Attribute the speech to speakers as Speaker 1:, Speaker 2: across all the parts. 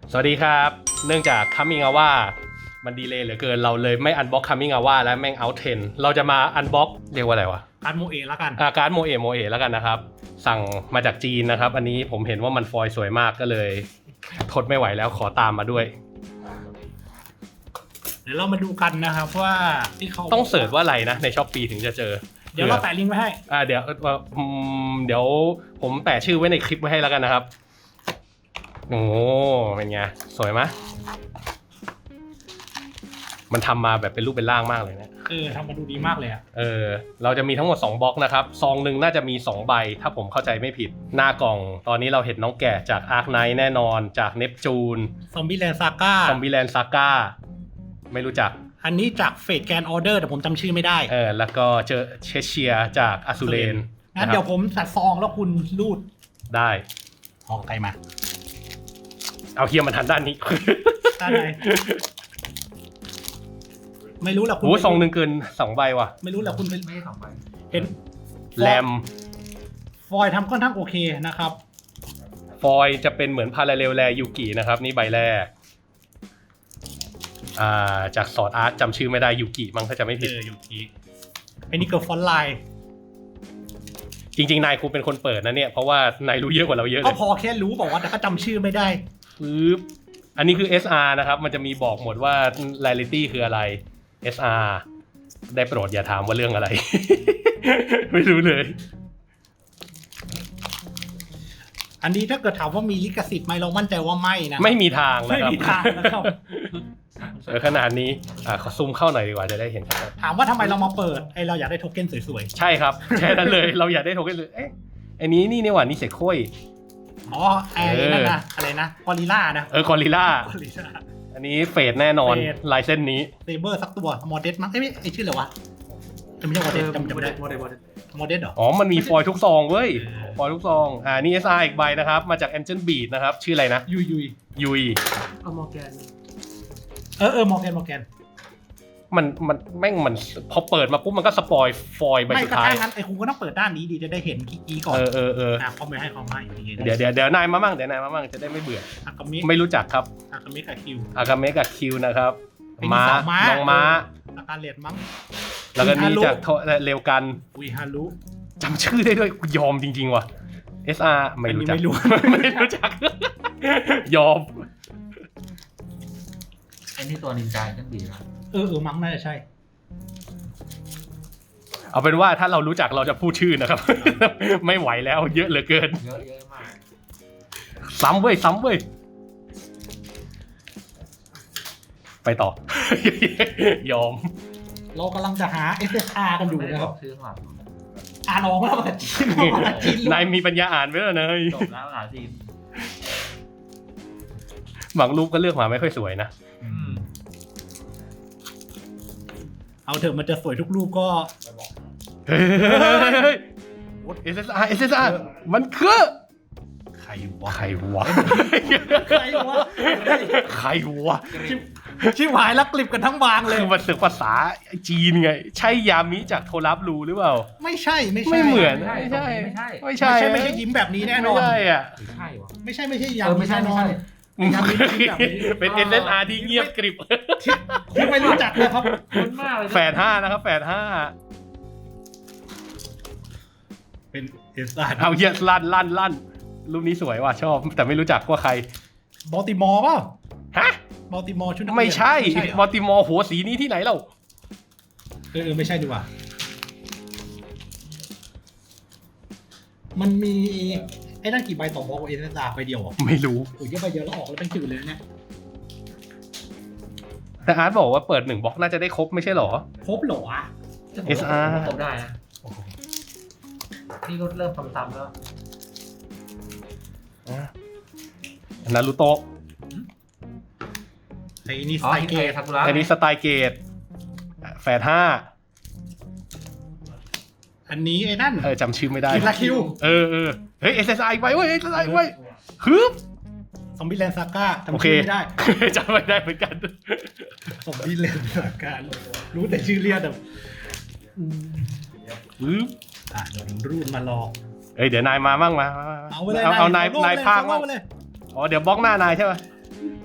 Speaker 1: สวัสดีครับเนื่องจาก Coming Hour มันดีเลย์เหลือเกินเราเลยไม่อันบ็อก Coming Hour แล้วแม่ง Out 10เราจะมาอันบ็อกเรียกว่าอะไรวะ
Speaker 2: การโมเอะแล้วกัน
Speaker 1: การ์ดโมเอะแล้วกันนะครับสั่งมาจากจีนนะครับอันนี้ผมเห็นว่ามันฟอยล์สวยมากก็เลยทนไม่ไหวแล้วขอตามมาด้วย
Speaker 2: เดี๋ยวเรามาดูกันนะครับว่าที่เขา
Speaker 1: ต้องเสิร์ชว่าอะไรนะใน Shopee ถึงจะเจอ
Speaker 2: เดี๋ยวเราแปะลิงก์ไว้ให้
Speaker 1: เดี๋ยวผมแปะชื่อไว้ในคลิปไว้ให้แล้วกันนะครับโอ้เป็นไงสวยไหมมันทำมาแบบเป็นรูปเป็นร่างมากเลยนะ
Speaker 2: ทำมาดูดีมากเลยอ่ะ
Speaker 1: เราจะมีทั้งหมด2บล็อกนะครับซองหนึ่งน่าจะมี2ใบถ้าผมเข้าใจไม่ผิดหน้ากล่องตอนนี้เราเห็นน้องแกะจากอาร์คไนท์แน่นอนจากเนปจูน
Speaker 2: ซอมบี้แลนด์ซาก้า
Speaker 1: ไม่รู้จัก
Speaker 2: อันนี้จากเฟดแกนออเดอร์แต่ผมจำชื่อไม่ได้
Speaker 1: แล้วก็เจอเชเชียจากอสูเรน
Speaker 2: งั้นเดี๋ยวผมจัดซองแล้วคุณรูด
Speaker 1: ได้
Speaker 2: ซองใครมา
Speaker 1: เอาเฮียมันทันด้านนี้
Speaker 2: ด้านไหนไม่รู้แหละคุณ
Speaker 1: ซองหนึ่งเกิน2ใบว่ะ
Speaker 2: ไม่รู้แหละคุณไม่ใช่2ใบเห็น
Speaker 1: แรม
Speaker 2: ฟอยทำค่อนข้างโอเคนะครับ
Speaker 1: ฟอยจะเป็นเหมือนพาราเรลแลยูกินะครับนี่ใบแรกจากสอดอาร์ตจำชื่อไม่ได้ยูกิมั้งถ้าจะไม่ผิด
Speaker 2: ยูกิไอ้นี่เกิดฟอนต์ไลน์
Speaker 1: จริงๆนายครูเป็นคนเปิดนะเนี่ยเพราะว่านายรู้เยอะกว่าเราเยอะเลย
Speaker 2: ก็พอแค่รู้บอกว่าแต่ก็จำชื่อไม่ได้
Speaker 1: อันนี้คือ SR นะครับมันจะมีบอกหมดว่า Rarity คืออะไร SR ได้โปรดอย่าถามว่าเรื่องอะไร ไม่รู้เลย
Speaker 2: อันนี้ถ้าเกิดถามว่ามีลิขสิทธิ์ไหมเรามั่นใจว่าไม่นะ
Speaker 1: ไม่มีทางนะครับ
Speaker 2: ไม่มีทางนะครับ
Speaker 1: ขนาดนี้ขอซูมเข้าหน่อยดีกว่าจะได้เห็น
Speaker 2: ถามว่าทำไมเรามาเปิดเราอยากได้โทเค็นสวย
Speaker 1: ๆใช่ครับแค่นั้นเลยเราอยากได้โทเค็นเลยอันนี้นี่หว่านี่เสกโค้ย
Speaker 2: นั่นนะอะไรนะกอริลล่านะ
Speaker 1: กอริลล่าอันนี้เฟดแน่นอนลายเส้นนี้
Speaker 2: เซเบอร์สักตัวโมเดสมั้งไม่ชื่ออะไรวะไม่ใช่โมเดสจำไม่ได้โมเดสเหรอ
Speaker 1: มันมีฟอยล์ทุกซองเว้ยฟอยล์ทุกซองนี่ SR อีกใบนะครับมาจาก Angel Beat นะครับชื่ออะไรนะยุย
Speaker 2: มอร์แกนมอร์แกน
Speaker 1: มันแม่งมันพอเปิดมาปุ๊บมันก็สปอยฟอยล์ใบสุดท้าย
Speaker 2: ไม่ก็งั้นคุณก็ต้องเปิดด้านนี้ดีจะได้เห็นกี้ก่อนเขาไม่ให้เขามาอย่างนี้
Speaker 1: เดี๋ยวนายมามั่งจะได้ไม่เบื่อไม่รู้จักครับ
Speaker 2: อากาเมะ
Speaker 1: กับคิวนะครับน้องม้า
Speaker 2: อาการเลดมั้ง
Speaker 1: แล้วก็นี่จากเร็วกัน
Speaker 2: อุยฮารุ
Speaker 1: จำชื่อได้ด้วยยอมจริงๆว่ะ SR ไม่รู้จักยอม
Speaker 3: ไอ้นี่ตัวนินจาจังดีนะ
Speaker 2: มั้งน่าจะใช่
Speaker 1: เอาเป็นว่าถ้าเรารู้จักเราจะพูดชื่อนะครับ ไม่ไหวแล้วเยอะเหลือเกิน
Speaker 3: เยอะมาก
Speaker 1: ซ้ำเว้ยไปต่อ ยอม
Speaker 2: เรากำลังจะหา SSR กันอยู่นะครับ
Speaker 3: ชื่อหลัก
Speaker 2: อ่านออกมาแล้วภาษาจีน
Speaker 1: นายมีปัญญาอ่านไหมล่ะเนย
Speaker 3: จบแล้วภาษาจีน
Speaker 1: บางรูปก็เลือกมาไม่ค่อยสวยนะ
Speaker 2: เอาเถอะมันจะสวยทุกรูปก็
Speaker 1: SSR มันคือใครวะ
Speaker 2: ชิบหายแล้วกลิบกันทั้งบางเลย
Speaker 1: คือมันศึกภาษาจีนไงใช่ยามิจากโทรับรูหรือเปล่า
Speaker 2: ไม่ใช่
Speaker 1: ไม่เหมือน
Speaker 2: ไม่ใช่ยิ้มแบบนี้แน่นอน
Speaker 1: ไม่ใช่อ่ะ
Speaker 2: ไม่ใช่ยามิ
Speaker 3: ไม่ใช่
Speaker 1: เป็น SSR ที่เงียบกริบ
Speaker 2: ที่ไม่รู้จักนะครับ
Speaker 3: คุ้นมากเลย
Speaker 1: แฝด5นะครับแฝด5
Speaker 2: เป็น SSR
Speaker 1: เอาเยอะลั่นรูปนี้สวยว่ะชอบแต่ไม่รู้จักว่าใคร
Speaker 2: บอลติมอร์ป่ะ
Speaker 1: ฮะ
Speaker 2: บอลติมอร์ชุดนักเรียน
Speaker 1: ไม่ใช่บอลติมอร์หัวสีนี้ที่ไหนเล่า
Speaker 2: ไม่ใช่ดีกว่ามันมีไอ้นั่นกี่ใบต่อบล็อกเอเนซ่าใบเดียวอ่ะ
Speaker 1: ไม่รู้
Speaker 2: โอ้ยเยอะใบเดียวแล้วออกแล้วเป็นจืดเลยเนี่ย
Speaker 1: แต่อาร์ตบอกว่าเปิด1บล็อกน่าจะได้ครบไม่ใช่หรอ
Speaker 2: ครบหรอวะ
Speaker 1: SR
Speaker 3: ครบได้นะนี่ก็เริ่มซ้ำๆแล้ว
Speaker 1: นารูโตะ
Speaker 2: ไอ้นี่สไตล์เกต
Speaker 1: สไตล์เกตแฝด5
Speaker 2: อันนี้ไอ้นั่น
Speaker 1: จำชื่อไม่ได้
Speaker 2: คิว
Speaker 1: เฮ้ย SSI ไปเว้ย SSI ไว้ฮึบ
Speaker 2: ซอมบี้แลนด์ซาก้าจำชื่อไม่ได้
Speaker 1: จำไม่ได้เหมือนกัน
Speaker 2: ซอมบี้แลนด์ซาก้ารู้แต่ชื่อเรียกแต่
Speaker 1: ฮึบ
Speaker 2: เดี๋ยวรูดมารอ
Speaker 1: เดี๋ยวนายมาบ้างมา
Speaker 2: เอา
Speaker 1: นายภาคบ้างเดี๋ยวบล็อกหน้านายใช่ไหม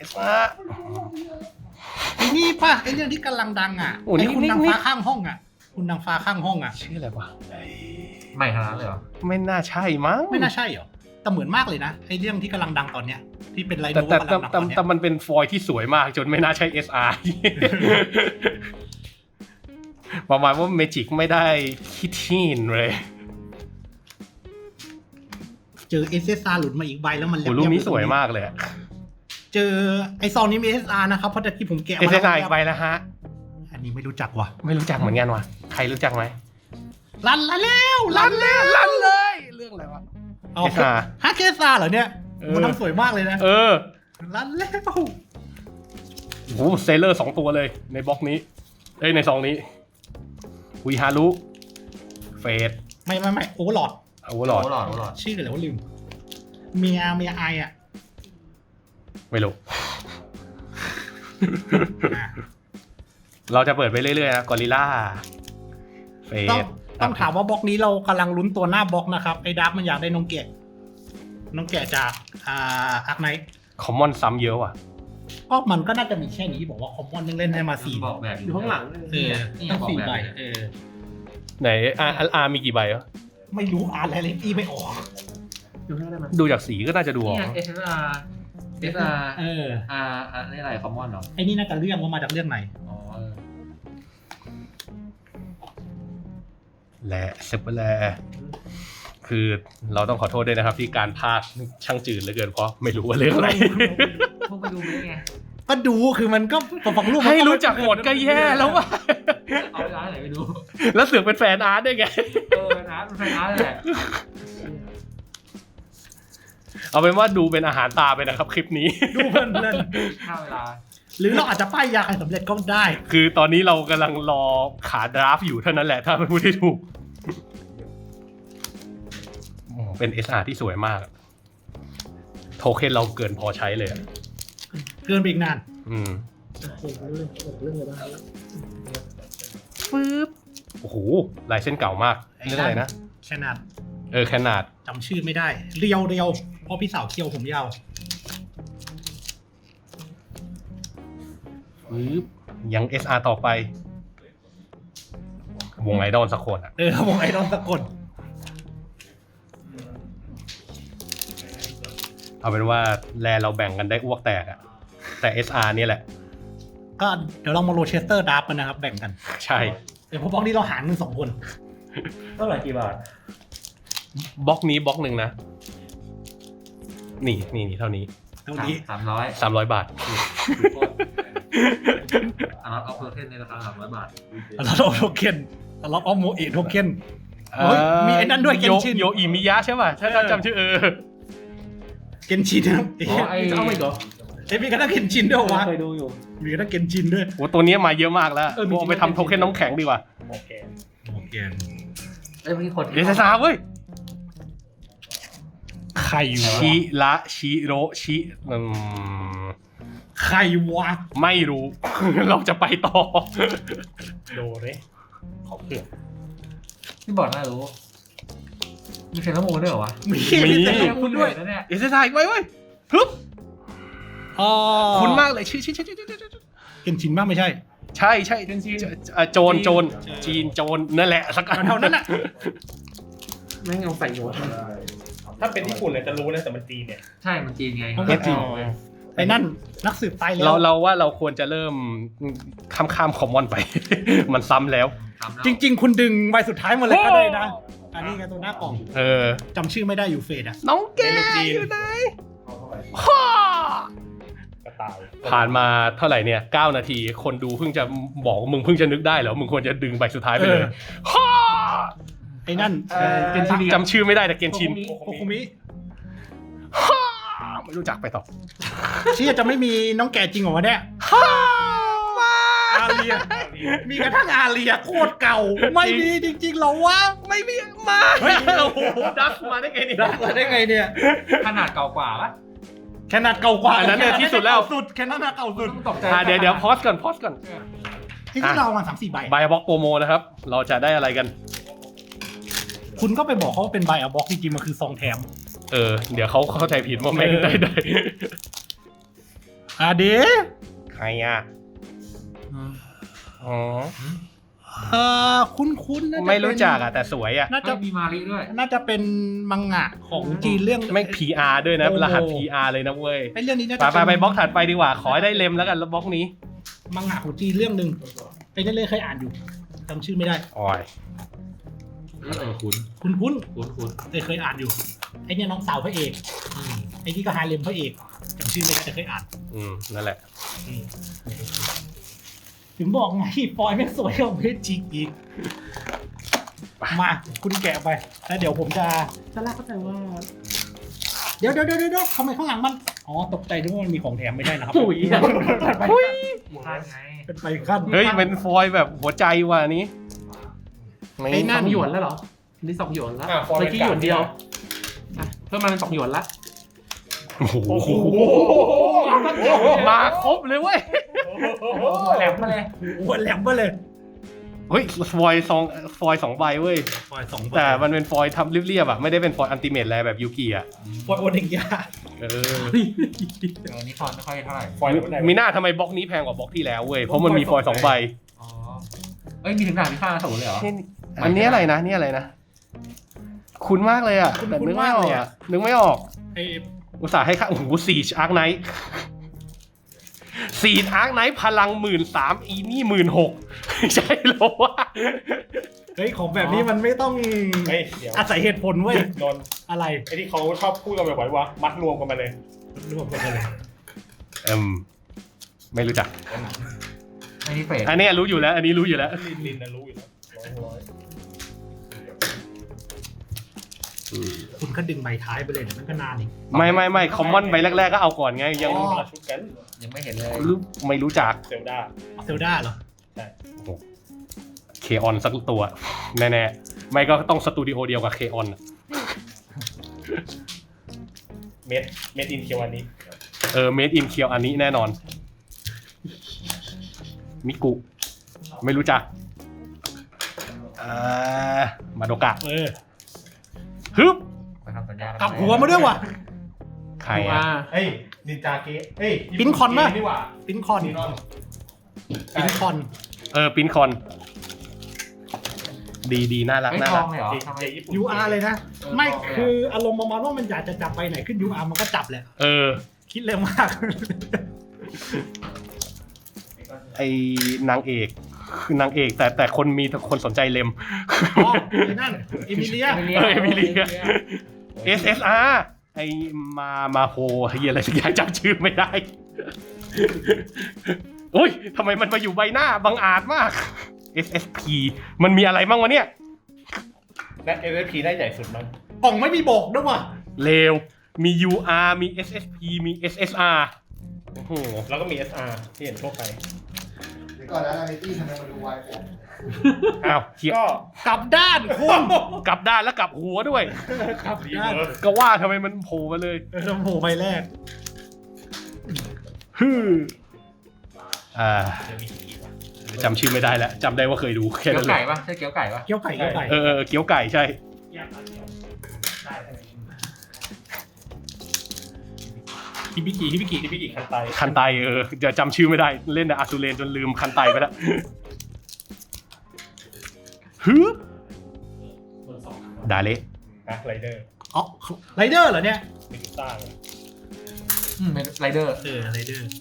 Speaker 1: SR
Speaker 2: ไอ้นี่ป่ะไอ้เรื่องที่กำลังดังอ่ะ
Speaker 1: โอ้นี่
Speaker 2: ไอ้คุณ
Speaker 1: นี่
Speaker 2: นางฟ้าข้างห้องอ่ะ คุณนางฟ้าข้างห้องอ่ะ
Speaker 1: ชื่ออะไรวะ
Speaker 3: ใหม่ขนาดนั้นเลยเหรอ
Speaker 1: ไม่น่าใช่มั้ง
Speaker 2: ไม่น่าใช่เหรอแต่เหมือนมากเลยนะไอ้เรื่องที่กำลังดังตอนเนี้ยที่เป็นไร
Speaker 1: แต่
Speaker 2: โน
Speaker 1: แต่
Speaker 2: กำลังดังตอนเนี้ย
Speaker 1: แต่มันเป็นฟอยล์ที่สวยมากจนไม่น่าใช่ SR ประมาณว่าเมจิกไม่ได้คิดทีนเลย
Speaker 2: เจอ SSR หลุดมาอีกใบแล้วมัน
Speaker 1: โอ้รูปนี้สวยมากเลยอะ
Speaker 2: เจอไอ้ซองนี้มี SSR นะครับเพราะแต่ที่ผมแกะมา
Speaker 1: SSR อีกใบแล้วฮะ
Speaker 2: อันนี้ไม่รู้จักว่ะ
Speaker 1: ไม่รู้จักเหมือนกันว่ะใครรู้จักไหม
Speaker 2: ลั่นแล้ว
Speaker 1: ลั่นเลย เรื่องอะไรวะ
Speaker 2: เอา
Speaker 1: SSR
Speaker 2: ฮะ SSR เหรอเนี่ย
Speaker 1: เออ
Speaker 2: มันทำสวยมากเลยนะ
Speaker 1: เออ
Speaker 2: ลั่นแล้ว
Speaker 1: โอ้โหเซเลอร์2ตัวเลยในบล็อกนี้ในซองนี้วิฮารุเฟด
Speaker 2: ไม่โอเวอร์ลอด
Speaker 1: โอเวอร์ลอด
Speaker 3: โอ้หลอดโอ้หลอด
Speaker 2: ชื่ออะไรวะลืมเมียไออ่ะ
Speaker 1: ไม่รู้
Speaker 2: อ่ะ
Speaker 1: เราจะเปิดไปเรื่อยๆนะกอริล่าเฟ
Speaker 2: ต้องถามว่าบล็อกนี้เรากำลังลุ้นตัวหน้าบล็อกนะครับไอ้ดับมันอยากได้น้องแกะจากอาร์คไนท์
Speaker 1: คอมมอนซ้ำเยอะว่ะ
Speaker 2: ก็มันก็น่าจะมีแค่นี้บอกว่าคอมมอนยังเล่นได้มา4
Speaker 3: บอกแบบ
Speaker 4: อยู่ข้างหลัง
Speaker 2: ตั้ง4 ใบ
Speaker 1: ไหนอาร์มีกี่ใบวะ
Speaker 2: ไม่รู้อ่านอะไรเลยอีไม่ออก
Speaker 4: อยู่ข้างหน้าได้ไหม
Speaker 1: ดูจากสีก็น่าจะดูออก
Speaker 3: เนี่ย SSR SR R นี่อะไรคอมมอนเหรอ
Speaker 2: ไอ้นี่น่าจะเรื่องว่ามาจากเรื่องไหน
Speaker 3: อ๋อ
Speaker 1: และเซปเปอร์แลคือเราต้องขอโทษด้วยนะครับ ที่การพากย์ช่างจืดเหลือเกินเพราะไม่รู้ว่าเรื่องอะไร
Speaker 3: พวกไปดูไหมไง
Speaker 2: ก็ดูคือมันก็ฟังรูปมัน
Speaker 1: ให้รู้จักหมดก็แย่แล้วว่ะ
Speaker 3: เอาไปร้านไหนไปดู
Speaker 1: แล้วเสือกเป็นแฟนอาร์ตได้วยไง
Speaker 3: นะเป็นไฟร้านแหละ
Speaker 1: เอาเป็นว่าดูเป็นอาหารตาไปนะครับคลิปนี้
Speaker 2: ดูเพลิน
Speaker 3: ค่าเวลา
Speaker 2: ๆหรือเราอาจจะป้ายยาใครสำเร็จก็ได้
Speaker 1: คือตอนนี้เรากำลังรอขาดราฟต์อยู่เท่านั้นแหละถ้ามันพูดได้ถูกเป็น SR ที่สวยมาก โทเค็นเราเกินพอใช้เลยอะ
Speaker 2: เกินไปอีกนาน
Speaker 1: อืม
Speaker 4: เรื่องอะไรบ้าง
Speaker 1: ปึ๊บโอ้โหลายเส้นเก่ามากเรื่องอะไรนะ
Speaker 2: แค่นั้น
Speaker 1: แคนาด
Speaker 2: จำชื่อไม่ได้เรียวเพราะพี่สาวเคี้ยวผมยาว
Speaker 1: ปึ๊บยัง SR ต่อไป วงไอดอลสักคนอะ
Speaker 2: วงไอดอลสะกด
Speaker 1: เอาเป็นว่าแลเราแบ่งกันได้อ้วกแตกอะแต่ SR นี่แหละ
Speaker 2: ก็เดี๋ยวเรามาโรเชสเตอร์ดับกันนะครับ แบ่งกัน
Speaker 1: ใช่
Speaker 2: เดี๋ยวพวกบล็อกนี้เราหารกัน2 คน
Speaker 4: เท่าไหร่กี่บาท
Speaker 1: บล็อกนี้บล็อกหนึ่งนะ นี่เท่านี้
Speaker 2: เท่านี้
Speaker 3: 300
Speaker 1: 300 บาท
Speaker 3: อันนั้นเอาโปรเทนในราคา300 บาท
Speaker 2: เราเอาโทเค็นเราเอาโมเอะโทเค็น เฮ้ยมีไอ้นั่นด้วยเกนชิน
Speaker 1: โยอิมิยะใช่ป่ะถ้าจำชื่อ
Speaker 2: เกนชินนะครับ
Speaker 4: เอาไปก่อน
Speaker 2: มีกระทั่งเกนชินด้วยวะ
Speaker 4: เคยดูอยู่
Speaker 2: มีกระทั่งเกนชินด้วย
Speaker 1: โอ้ตัวนี้มาเยอะมากแล้ว
Speaker 4: มี
Speaker 1: เอาไปทำโทเค็นน้ำแข็งดีกว่า
Speaker 4: โอเค
Speaker 2: โอเค
Speaker 3: เอ้ยเมื่อกี้คน
Speaker 1: เดซซ่าเว้ย
Speaker 2: ใครวะ
Speaker 1: ชิระชิโรชิ
Speaker 2: ใครวะ
Speaker 1: ไม่รู้ เราจะไปต่อ
Speaker 2: โดเรขอเผื่อ
Speaker 3: ที่บอกน่ารู้ มีเซนต์มูนด้วยเหรอวะ
Speaker 2: มี
Speaker 1: มี
Speaker 2: แต่คุณด้วย
Speaker 3: นะเนี่ย
Speaker 1: เดซซ่าอีกไว้เว้ยฮึบ
Speaker 2: อ๋อ
Speaker 1: คุณมากเลยชื่อ
Speaker 2: เกนชินมากไม่ใช่
Speaker 1: ใช่โจรจีนโจรนั่นแหละสักอัน
Speaker 2: เท่านั้นน่ะ
Speaker 4: แม่งเอาใส่โน้ตถ้าเป็นญี่ปุ่นเลยจะรู้นะแต่มันจีนเนี่ย
Speaker 3: ใช่มันจีนไง
Speaker 2: มันก็จีน ไอ้นั่นนักสืบตายแล้ว
Speaker 1: เราว่าเราควรจะเริ่มข้ามคอมมอนไป มันซ้ำแล้ว
Speaker 2: จริง ๆ คุณดึงใบสุดท้ายมาเลยก็ได้นะ อันนี้ไงตัวหน้ากล่อง จำชื่อไม่ได้อยู่เฟดอะ
Speaker 1: น้องแกอยู่ไหนฮ่าก
Speaker 4: ระต่าย
Speaker 1: ผ่านมาเท่าไหร่เนี่ย9 นาที คนดูเพิ่งจะบอกมึงเพิ่งจะนึกได้เหรอมึงควรจะดึงใบสุดท้ายไปเลยฮ่า
Speaker 2: ไอ้นั่น
Speaker 1: เกนชินจำชื่อไม่ได้แต่เกนชิน
Speaker 2: โคคุมิ
Speaker 1: ฮ่าไม่รู้จักไปต่อ
Speaker 2: เชี่ยจะไม่มีน้องแก่จริงเหรอวะเนี่ย
Speaker 1: ฮ่ามา
Speaker 2: อาเรีย มีกระทั่งอาเรียโคตรเก่า ไม่มีจริงๆเหรอวะ
Speaker 1: ไม่มีมา
Speaker 2: เฮ้ย
Speaker 1: โอ้โหดักมาได้ไงเนี่ย
Speaker 2: ได้ไงเนี่ย
Speaker 3: ขนาดเก่ากว่าปะ
Speaker 2: แค่นาดเก่ากว่า
Speaker 1: อันนั้นเนี่ยที่สุดแล้ว
Speaker 2: สุดแค่นาดเก่าสุด
Speaker 3: ต้องตกใจ
Speaker 1: เดี๋ยวพอสก่อน
Speaker 2: ที่เรามา3-4 ใบ
Speaker 1: ไบบ็อกโปรโมนะครับ เราจะได้อะไรกัน
Speaker 2: คุณก็ไปบอกเขาว่าเป็นใบอะบ็อกจริงๆมันคือซองแถม
Speaker 1: เดี๋ยวเขาเข้าใจผิดว่าแม่งได้
Speaker 2: เดี๋ยว
Speaker 1: ใครอ่ะอ๋อ
Speaker 2: คุ้นๆน่าจะ
Speaker 1: ไม่รู้จักอ่ะแต่สวยอ่ะ
Speaker 2: น่าจะ
Speaker 3: มีมาริด้วย
Speaker 2: น่าจะเป็นมังงะของจีนเรื่อง
Speaker 1: ไม่ PR ด้วยนะ
Speaker 2: โอ้โห
Speaker 1: รหัส PR เลยนะเว้ย
Speaker 2: ไอ้เรื่องนี้น่าจะ
Speaker 1: ไปบล็อกถัดไปดีกว่า ขอให้ได้เล็มแล้วกันแล้วบล็อกนี้
Speaker 2: มังงะของจีนเรื่องหนึ่งไอ้นั่นเลยเคยอ่านอยู่จำชื่อไม่ได้
Speaker 1: อ๋อย
Speaker 3: คุ้น
Speaker 2: คุ้น
Speaker 3: คุ้น
Speaker 2: เคยอ่านอยู่ไอ้เนี่ยน้องสาวพระเอกไอ้ที่ก็ฮาเลมพระเอกจำชื่อไม่ได้แต่เคยอ่าน
Speaker 1: นั่นแหละ
Speaker 2: ถึงบอกไงปอยไม่งสวยกว่าเพชรจิกอีกมาคุณแกะไปแล้วเดี๋ยวผมจะแรกเข้าใจว่าเดี๋ยวทำไมข้างหลังมันอ๋อตกใจนึกว่ามันมีของแถมไม่ได้นะครับ
Speaker 4: ปุ๋ย
Speaker 3: พลาดไง
Speaker 2: เป็นไปขั้น
Speaker 1: เฮ้ยเป็นฟอยล์แบบหัวใจว่ะอันนี้
Speaker 2: ไอ้นั่น
Speaker 4: 2 หยวนแล้วเหรอนี่2 หยวนแล้วเมื่อกี้หยวนเดียวเพิ่มมาเป็น2 หยวนละ
Speaker 1: โอ้โหมาครบเลยเว้ย
Speaker 4: แหลมมาเลย
Speaker 2: หัวแหลมมาเลย
Speaker 1: เฮ้ยฟอยล์สองใบเว้ย
Speaker 2: ปอย2
Speaker 1: แต่มันเป็นฟอยล์ทำเรียบๆอ่ะไม่ได้เป็นฟอยล์อัลติเมทอะไรแบบยูกิอ่ะ
Speaker 2: ปอยโอเดงยา
Speaker 3: อันนี้ฟอนไม่ค่อยเท่าไหร่
Speaker 4: ฟอยล์หรือ
Speaker 1: มีหน้าทำไมบล็อกนี้แพงกว่าบล็อกที่แล้วเว้ยเพราะมันมีฟอยล์2 ใบ
Speaker 3: อ๋อเอ้ยมีถึงด่านพิฆาตอสูรเลยเหรอ
Speaker 1: อันนี้อะไรนะนี่อะไรนะคุ้นมากเลยอ่ะแต่นึกไม่ออกอ่ะนึกไม่ออก
Speaker 2: ไอ้
Speaker 1: อุตส่าห์ให้ค่าโอ้โหซีชอาร์คไนท์ซีชอาร์คไนท์พลัง13,000อีนี่16,000ใช่เหรอวะ
Speaker 2: เฮ้ยของแบบนี้มันไม่ต้อง
Speaker 4: เฮ้ยเดี๋ยว
Speaker 2: อาศัยเหตุผลเว้ย
Speaker 4: โดน
Speaker 2: อะไร
Speaker 4: ไอ้ที่เขาชอบพูดกันบ่อยๆว่ามัดรวมกันมาเลย
Speaker 2: รวมกันเลย
Speaker 1: ไม่รู้จัก
Speaker 3: อันนี้เฟส
Speaker 1: อันนี้รู้อยู่แล้ว อันนี้รู้อยู่แล้ว
Speaker 4: ลินนะรู้อยู่แล้วร้อย
Speaker 2: คุณก็ดึงใบท้ายไปเลยเดี๋ยวมันก็นานอีก
Speaker 1: ไม่คอมมอนใบแรกๆก็เอาก่อนไงยัง
Speaker 4: คนละชุดกัน
Speaker 3: ยังไม่เห็นเลย
Speaker 1: ไม่รู้จัก
Speaker 4: เซลดา
Speaker 2: เซลดาเหรอ
Speaker 1: เคออนสักตัว แน่ๆไม่ก็ต้องสตูดิโอเดียวกับเคออน
Speaker 4: เมดอินเคียวอันนี้
Speaker 1: เมดอินเคียวอันนี้แน่นอนมิกุไม่รู้จักมาโดกะฮึบ
Speaker 3: ไปทำสัญญาณ
Speaker 2: กลับหัวมาด้วยว่ะ
Speaker 1: ใครอ่ะ
Speaker 4: เฮ้ยนินจาเกะเฮ้ย
Speaker 2: ปิ้นคอนปะ
Speaker 4: นี่หว่า
Speaker 2: ปิ้นคอน
Speaker 4: นี่นอน
Speaker 2: ปิ้นคอน
Speaker 1: ปินคอนดีน่ารัก
Speaker 3: ไม่
Speaker 1: น่า
Speaker 3: ท
Speaker 1: รั
Speaker 3: อก งเลยเหรอ
Speaker 4: เจ
Speaker 3: ทำไม
Speaker 4: ญี่ปุ่น
Speaker 2: UR เลยนะ ไม่คืออารมณ์ประมาณว่ามันอยากจะจับไปไหนขึ้น UR มันก็จับแหละ คิดเร็วมาก
Speaker 1: ไอ้นางเอกคือนางเอกแต่คนมีคนสนใจเลม
Speaker 2: อ๋อไอ้นั่นเอมิเลีย
Speaker 1: เอมิเลีย SSR ไอ้มาโฮเฮียอะไรสักอย่างจำชื่อไม่ได้ โอ้ยทำไมมันมาอยู่ใบหน้าบังอาจมาก SSP มันมีอะไรบ้างวะเนี่ย
Speaker 4: และ SSP ได้ใหญ่สุดมั้ง
Speaker 2: กล่องไม่มีบอกด้วยว่ะ
Speaker 1: เลวมี UR มี SSP มี SSR โอ้โห
Speaker 4: แล้วก็มี SR ที่เห็นทั่วไป
Speaker 5: เดี๋ยวก่อนนะนาริตี้ทำไมมาดูวายผม
Speaker 1: อ้าวเฮีย
Speaker 4: ก็
Speaker 2: กลับด้านคุณ
Speaker 1: กลับด้านแล้วกลับหัวด้วย
Speaker 2: กลับ
Speaker 4: รี
Speaker 2: ด้าน
Speaker 4: เวิร์ส
Speaker 1: ก็ว่าทำไมมันโผล่มาเลย
Speaker 2: ลำโพงใบแรก
Speaker 1: ฮึอ่า
Speaker 4: เดี๋ยวมีอีกว่ะ
Speaker 1: จำชื่อไม่ได้แล้วจำได้ว่าเคยดูแค่
Speaker 3: เกี๊ย
Speaker 1: นั้
Speaker 3: วน
Speaker 1: เล
Speaker 3: ไก่
Speaker 1: ย
Speaker 3: ปะใช่เกี๊ยวไก่ปะ
Speaker 2: เกี๊ยวไก่เกี๊ยวไก่
Speaker 1: เกี๊ยวไก่ใช่
Speaker 2: ฮิบิกิฮิบิกิ
Speaker 4: ที่พี่อีกคันไต
Speaker 1: คันไตจะจำชื่อไม่ได้เล่นแต่อาซูเรนจนลืมคันไตไปแล้วฮึดาเละ
Speaker 4: นะไรเดอร์
Speaker 2: อ๋อไรเดอร์เหรอเนี่ย
Speaker 4: มิกิต้าเลย
Speaker 3: เป็นไรเดอร์
Speaker 2: ไรเดอร์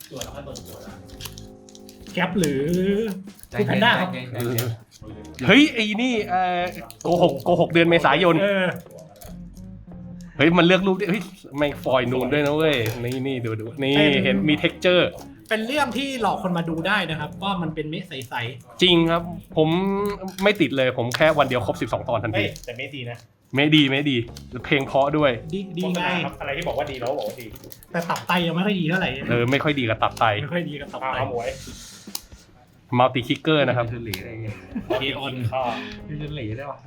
Speaker 2: แก๊ปหรือคือแพนด้าครับ
Speaker 1: เฮ้ยไอ้นี่โกหกเดือนเมษายนเฮ้ยมันเลือกรูปด้วยเฮ้ยไม่ฟอยล์นูนด้วยนะเว้ยนี่ดูนี่เห็นมีเท็กเจอร์
Speaker 2: เป็นเรื่องที่หลอกคนมาดูได้นะครับ ว่ามันเป็นเม็ดใส
Speaker 1: จริงครับ ผมไม่ติดเลยผมแค่วันเดียวครบ12 ตอนทัน
Speaker 4: เฮ้
Speaker 1: ที
Speaker 4: ยแต่ไม่ดีนะ
Speaker 1: ไม่ดีเพลงเพราะด้วย
Speaker 2: ๆดีไง
Speaker 4: ครับอะไรที่บอกว่าดีเราก็บอกว่าดี
Speaker 2: แต่ตับไตยังไม่ค่อยดีเท่าไหร่
Speaker 1: ไม่ค่อยดีกับตับไต
Speaker 2: ไม่ค่อยดีกับตับไต
Speaker 4: เอาหมวย
Speaker 1: มัลติคิกเกอร์นะครับ
Speaker 3: คือหลีอะไรเงี้ย
Speaker 4: คีออนข้า
Speaker 3: คือหลีได้ปะ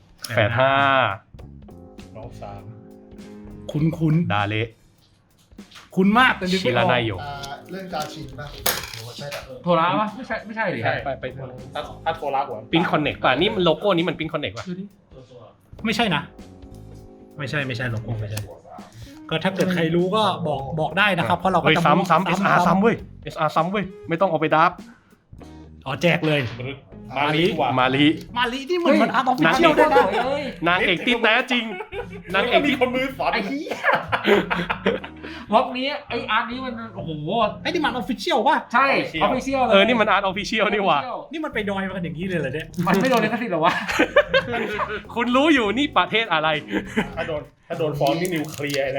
Speaker 1: 85
Speaker 4: น้องสาม
Speaker 2: คุ้น
Speaker 1: ดาเละ
Speaker 2: ๆคุ้นมากแต่นึก
Speaker 1: ชิ
Speaker 2: ไม่อ
Speaker 1: รา
Speaker 2: อก
Speaker 1: นายโย
Speaker 5: เรื่องกาชินป่ะหรือว่าใช่แต่
Speaker 3: โทระปะไม่ใช่หรือ
Speaker 4: ใช่
Speaker 1: ไป
Speaker 4: ถ้าโทรลาหัว
Speaker 1: ปิ้นคอนเน็กป่ะนี่มันโลโก้นี้มันปิ้นคอนเน็กป่ะ
Speaker 2: ไม่ใช่นะ ไม่ใช่โลโก้ไม่ใช่ก็ถ้าเกิดใครรู้ก็บอกได้นะครับ เพราะเราก็
Speaker 1: เฮ้ย
Speaker 2: จะ
Speaker 1: ซ้ำ SR ซ้ำเว้ย SR ซ้ำเว้ยไม่ต้องเอาไปดับ
Speaker 2: อ๋อแจกเลย
Speaker 4: มาลีกว่า
Speaker 1: มาลี
Speaker 2: มาลีที่เหมือนอาร์ตออฟฟิ
Speaker 1: นาง
Speaker 2: เชี
Speaker 1: เอย
Speaker 2: ล
Speaker 1: ก
Speaker 2: ด้วยนะ
Speaker 1: นางเอกที่แท้จริงนางเอก
Speaker 4: มี
Speaker 1: ที่
Speaker 4: คนมือสอน
Speaker 3: ไอ้เหี้ยม็อบนี้ไอ้อาร์ตนี้มันโอ้โห
Speaker 2: ไอ้นี่มันออฟฟิเชียลป่ะ
Speaker 3: ใช่ออฟฟิเชียลเลย
Speaker 1: นี่มันอาร์ตออฟฟิเชียลนี่หว่า
Speaker 2: นี่มันไปดอยมากันอย่างนี้เลยเหรอเนี่ย
Speaker 3: มันไม่โดนลิขสิทธิ์หรอวะ
Speaker 1: คุณรู้อยู่นี่ประเทศอะไร
Speaker 4: ถ้าโดนฟ้องนี่นิวเคลียร์นะ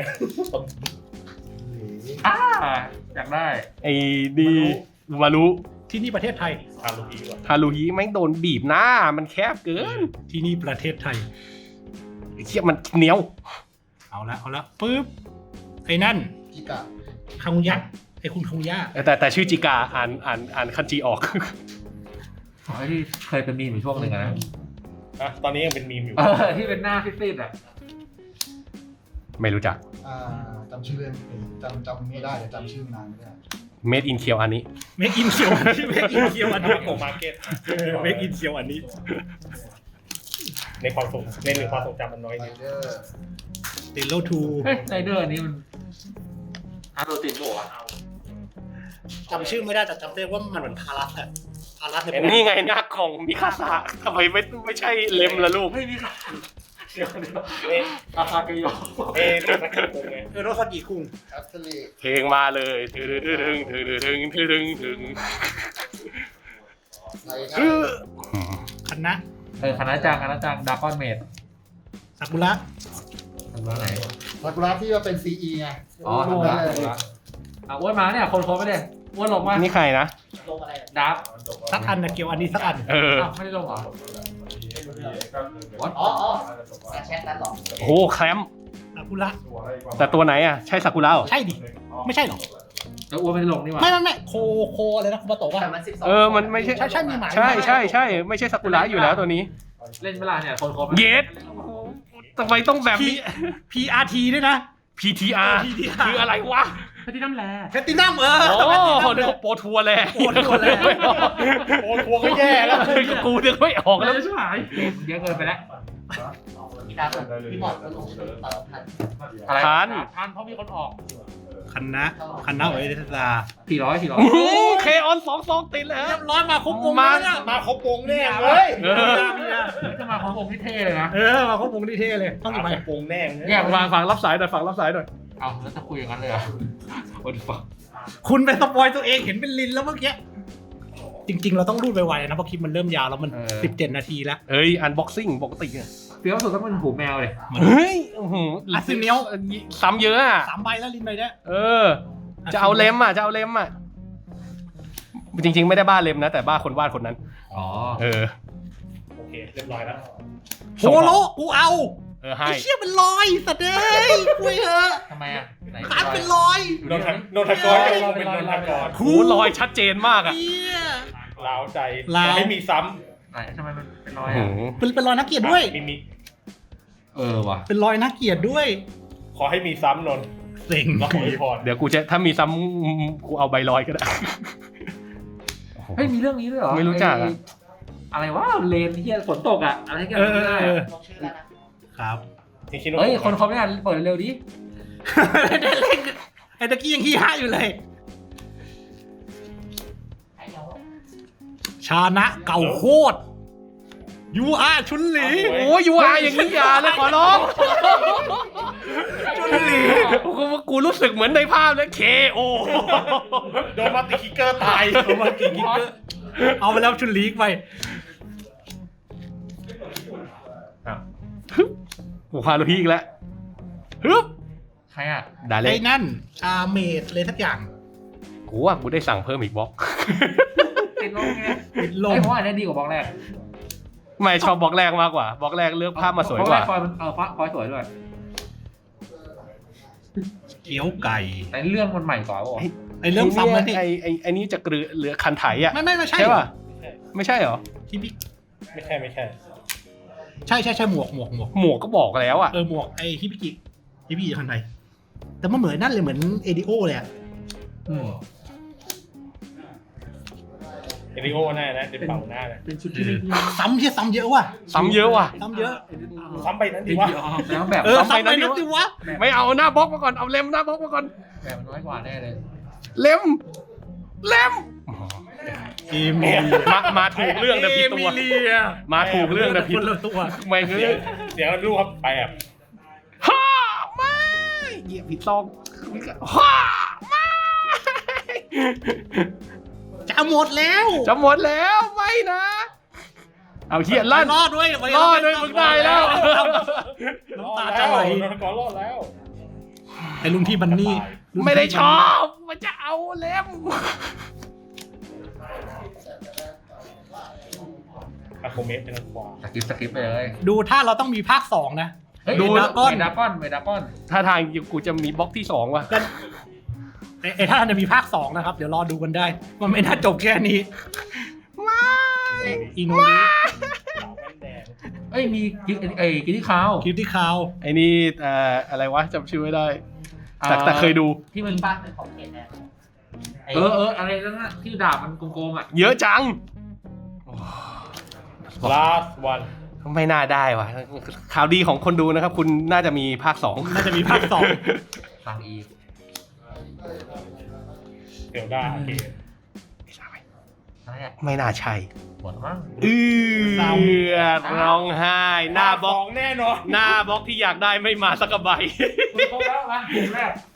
Speaker 3: อยากได้
Speaker 1: ไอ้ดีมารู้
Speaker 2: ที่นี่ประเทศไทย
Speaker 4: ฮารุฮีว่ะ
Speaker 1: ฮารุฮิแม่งโดนบีบหน้ามันแคบเกิน
Speaker 2: ที่นี่ประเทศไทย
Speaker 1: ไอ้เชี่ยมันเหนียว
Speaker 2: เอาละปึ๊บไอ้นั่น
Speaker 5: กิกะ
Speaker 2: คังยักษ์ไอ้คุณคังย่า
Speaker 1: แต่ชื่อจิกาอ่านคันจีออก
Speaker 3: ขอที่เคยเป็นมีมอยู่ช่วงหนึ่งอะนะ
Speaker 4: ตอนนี้ยังเป็นมีมอยู่
Speaker 3: ที่เป็นหน้าซีดๆอ่ะ
Speaker 1: ไม่รู้จัก
Speaker 5: จำชื่อเรื่องไม่ได้จำไม่ได้แต่จำชื่อนานไม่ได้
Speaker 1: Made in เคียวอันนี้
Speaker 2: เมกอินเคียวเมกอินเคียวอันนี้
Speaker 4: โกมาร์เก็ต
Speaker 2: เมกอินเคียวอันนี้
Speaker 4: ในความทรงจำมันน้อย
Speaker 5: ไร
Speaker 4: นิด
Speaker 5: เดอร์
Speaker 2: เดโลทู
Speaker 3: เฮ้ยไรเดอร์อันนี้มันอาร์ตโรตินโบะ
Speaker 2: จำชื่อไม่ได้แต่จำได้ว่ามันเหมือนพารัสอะพารัสเนี่ย
Speaker 1: นี่ไงหน้ากล่องมิคาสะทำไมไม่ใช่เล็มละลูก
Speaker 3: ไม่มีค่ะเดี๋ยว
Speaker 4: อาคาเกโยนี่สักกี่โมงไง
Speaker 2: โรสกิคุง
Speaker 5: แอปเปิล
Speaker 1: เพลงมาเลยถึง
Speaker 5: ไรเดอร์
Speaker 2: คณะ
Speaker 3: คณะจังดากอนเมด
Speaker 2: ซากุระ
Speaker 3: ทำว่าไหน
Speaker 5: ซากุระที่ว่าเป็น CE ไง
Speaker 3: อ๋อทำว่าอ้วนมาเนี่ยคนมาเนี่ยอ้วนลงมา
Speaker 1: นี่ใครนะ
Speaker 3: ดับ
Speaker 2: สักอันนะเกียวอันนี้สักอัน
Speaker 3: ไม่ได้ลงเหรอ
Speaker 6: อ๋อแชทนั้นหรอ
Speaker 1: โอ้โหแคลม
Speaker 2: ซากุระ
Speaker 1: แต่ตัวไหนอ่ะ ใช่ซากุระเหรอ
Speaker 2: ใช่ดิ ไม่ใช่หรอ
Speaker 3: แล้วอ้วนไม่ได้ลงนี่หว่า
Speaker 2: ไม่โคอะไรนะคุณมาโตะว่า
Speaker 6: แต่มัน12
Speaker 1: มันไม่ใช่
Speaker 2: ใช่มีหมาย
Speaker 1: ใช่ ไม่ใใช่ซากุระอยู่แล้วตัวนี้
Speaker 3: เล่นเวลาเนี่ยคนครบ
Speaker 1: เยสทำไมต้องแบบนี้
Speaker 2: PRT ด้วยนะ
Speaker 1: PTR คืออะไรวะ
Speaker 3: พที่น้ำแร่
Speaker 2: แพตตินัม
Speaker 1: โอ้เดี๋ยวโปรทัวร์แล
Speaker 2: โปรทัวร์แล
Speaker 4: โอ้ทัวร์ก็แย่แล้ว
Speaker 1: กูนึกไม่ออก
Speaker 3: แล้
Speaker 1: แล้ว ว
Speaker 3: ชิบหายเยอะเกินไปแล้ว
Speaker 6: พี่หมอดก็ลงตอนทัน
Speaker 3: อะไร
Speaker 1: ทัน
Speaker 3: เพราะมีคนออก
Speaker 2: คณะไว้เดสตา
Speaker 3: 400
Speaker 1: โอ้โหเคออน2 ติดแล้ว
Speaker 2: เรียบร้อยมาครบวง
Speaker 1: มา
Speaker 2: แล้ว
Speaker 4: มาครบวงแน่เลย
Speaker 3: จะมาของผมที่เท่เลยนะ
Speaker 2: มาครบวงที่เท่เลยต้อง
Speaker 4: มา
Speaker 2: ไป
Speaker 4: ครบวงแน่
Speaker 3: แยก
Speaker 1: ฟังรับสายหน่อย
Speaker 3: เอาแล้วจะคุยอย่างนั้นเลยเหรอโอ้ยฟัง
Speaker 2: คุณไปสปอยตัวเองเห็นเป็นลินแล้วเมื่อกี้จริงๆเราต้องรูดไวๆนะเพราะคลิปมันเริ่มยาวแล้วมัน17 นาทีแล้ว
Speaker 1: เอ้ยอันบ็อกซิ่งปกติอะ
Speaker 3: เฟี้ยวสุดต้องเป็นหูแมวเลย
Speaker 1: เฮ้ยซ้ำเยอะอ่ะ
Speaker 2: 3 ใบแล้วลินใบเนี้ย
Speaker 1: จะเอาเล็มอ่ะจริงๆไม่ได้บ้าเล็มนะแต่บ้าคนวาดคนนั้น
Speaker 3: อ๋อ
Speaker 4: โอเคเรียบร้อยแล้ว
Speaker 2: โฮโลกูเอา
Speaker 1: ให้
Speaker 2: ไอ้เชี่ยเป็นรอยสัตว์เอ้ยคุยเถอะ
Speaker 3: ทำไมอ่ะไหน
Speaker 2: ขาดเป็นรอย
Speaker 4: นนทกรก็เป็นนนทกร
Speaker 1: หูรอยชัดเจนมากอ่ะ
Speaker 2: เหี้ย
Speaker 4: ล้าวใจ
Speaker 2: ล้าว
Speaker 4: ไม่มีซ้
Speaker 3: ไหนทำไมมันเป็นรอยอ่ะ
Speaker 2: เป็นรอยนักเกียรติด้วย
Speaker 4: ำมี
Speaker 3: ว่ะ
Speaker 2: เป็นรอยนักเกียรติด้วย
Speaker 4: ขอให้มีซ้ำนน
Speaker 2: เซ็ง
Speaker 4: เราขอให้พร
Speaker 1: เดี๋ยวกูจะถ้ามีซ้ำกูเอาใบลอยก็ได้
Speaker 3: เฮ้ยมีเรื่องนี้ด้วยเหรอ
Speaker 1: ไม่รู้จักอะ
Speaker 3: อะไรวะเลนที่ฝนตกอ่ะอะไรกัน
Speaker 6: ลงชื่อแล้วนะครับ
Speaker 4: จริงๆ
Speaker 3: เฮ้ยคนเขาไม่อ่านเปิดเร็วดิ
Speaker 2: ไอ้ตะกี้ยังขี้ฮะอยู่เลย
Speaker 6: ไอ้เดี๋ยว
Speaker 2: ชานะเก่าโคตรยูอาชุนหลี
Speaker 1: โอ้ยยูอาอย่างนี้อย่าเลยขอร้อง
Speaker 2: ชุนหลี
Speaker 1: กูรู้สึกเหมือนในภาพเลยเคโอ
Speaker 4: โดนมาติคิกเกอร์ตาย
Speaker 2: เอามากี่กิ๊กเกอร์เอาไปแล้วชุนหลีไป
Speaker 1: กูพาลูกพี่อีกแล้วฮึบ
Speaker 3: ใครอ่ะ
Speaker 1: ได้เล
Speaker 2: ไอ้
Speaker 1: ย
Speaker 2: นั่นเมดเลยทักอย่าง
Speaker 1: กูว่ากูได้สั่งเพิ่มอีกบล็อก
Speaker 3: ติดลมไง
Speaker 2: ติดล
Speaker 3: ไอ้
Speaker 2: ม
Speaker 3: ผมว่าอันนี้ดีกว่าบล็อกแรก
Speaker 1: ไม่ชอบบล็อกแรกมากกว่าบล็อกแรกเลือกภาพมาสวยกว่า
Speaker 3: ฟอยมันฟอยสวยด้วย
Speaker 2: เกี๊ยวไก่
Speaker 3: แต่เรื่องมันใหม่กว่าป่ะ
Speaker 2: ไอ้เรื่องซ้ำแล้วนี่
Speaker 1: ไอ้นี่จะเหลือคันไถอ่ะ
Speaker 2: ไม่ใช่
Speaker 1: ใช่ป่ะไม่ใช่เหรอ
Speaker 2: ที่พี่
Speaker 4: ไม่ใช่
Speaker 2: ใช่หมวก
Speaker 1: หมวกก็บอกแล้วอ่ะ
Speaker 2: หมวกไอ้ฮิบิกิคันไทยแต่มันเหมือนนั่นเลยเหมือนเอดิโอเลยอะ
Speaker 3: อืม
Speaker 4: เอริโอหน้านะเดี๋ยวเป่าหน้านะ
Speaker 3: เป็นชุดที่ไม่ดี
Speaker 2: ซ้ำเฮียซ้ำเยอะว่ะ
Speaker 1: ซ้ำเยอะว่ะ
Speaker 2: ซ้ำเยอะ
Speaker 4: ซ้ำไปนั้นดีวะ
Speaker 3: แล้วแบบ
Speaker 2: ซ้ำไปนั่นสิวะ
Speaker 1: ไม่เอาหน้าบล็อกมาก่อน เอาเล็มหน้าบล็อกมาก่อน
Speaker 3: แบบมันน้อยกว่าแน่เลย
Speaker 1: เล็ม เล็ม
Speaker 2: เอมิเลีย
Speaker 1: มาถูกเรื่องนะพี่ตัว มาถูกเรื่องนะพี่
Speaker 2: คนละตัว
Speaker 1: ไม่เฮ้ย
Speaker 4: เดี๋ยวดูครับแปบ
Speaker 1: ฮ่าไม่เหยียบผิดซองฮ่าไม่
Speaker 2: จะหมดแล้ว
Speaker 1: จะหมดแล้วไม่นะ เอาเฮียลั่น
Speaker 2: รอดด้วย
Speaker 1: รอดด้วยมึงได้แล้ว
Speaker 2: น้ำตาจะไหล
Speaker 4: นนท์ก่อนรอดแล้ว
Speaker 2: ไอ้ลุงพี่บันนี่
Speaker 1: ไม่ได้ชอบมันจะเอาเล็ม
Speaker 4: อะโคเมสเป็นขวา
Speaker 3: สกิปไปเลย
Speaker 2: ดูถ้าเราต้องมีภาค 2 นะ
Speaker 3: เฮ้ย
Speaker 2: ดู
Speaker 3: เม
Speaker 2: ดราก้อน
Speaker 3: ดาก้อนเมดาก้อน
Speaker 1: ถ้าทางกูจะมีบล็อกที่2ว่ะ
Speaker 2: ไอ้ถ้าจะมีภาค 2 นะครับ เดี๋ยวรอดูกันได้ มันไม่น่าจบแค่นี้
Speaker 1: ไม่
Speaker 2: อีโนริ
Speaker 4: ขาวแว่นแดง
Speaker 3: เอ้ยมีกินที่คาว
Speaker 2: คลิปที่คาว
Speaker 1: ไอ้นี่อะไรวะจำชื่อไม่ได้ แต่เคยดู
Speaker 3: ที่มัน
Speaker 6: บ้านเป็นของเขตแดน
Speaker 3: อะไรนั่นน่ะที่ดาบมันโกงๆอ่ะ
Speaker 1: เยอะจัง
Speaker 4: last one
Speaker 1: ไม่น่าได้ว่ะข่าวดีของคนดูนะครับ คุณน่าจะมีภาค 2
Speaker 2: น่าจะมีภาค
Speaker 3: ฟังอีก
Speaker 4: เดี๋ยวได้โอเค
Speaker 3: อะไรอ่ะ
Speaker 1: ไม่น่าใช่
Speaker 3: หมดมั้ง
Speaker 1: ร้องไห้หน้าบล็อก
Speaker 4: แน่นอน
Speaker 1: หน้าบล็อกที่อยากได้ไม่มาสักกระใบ
Speaker 3: คุณครบแล้วนะเกมแรก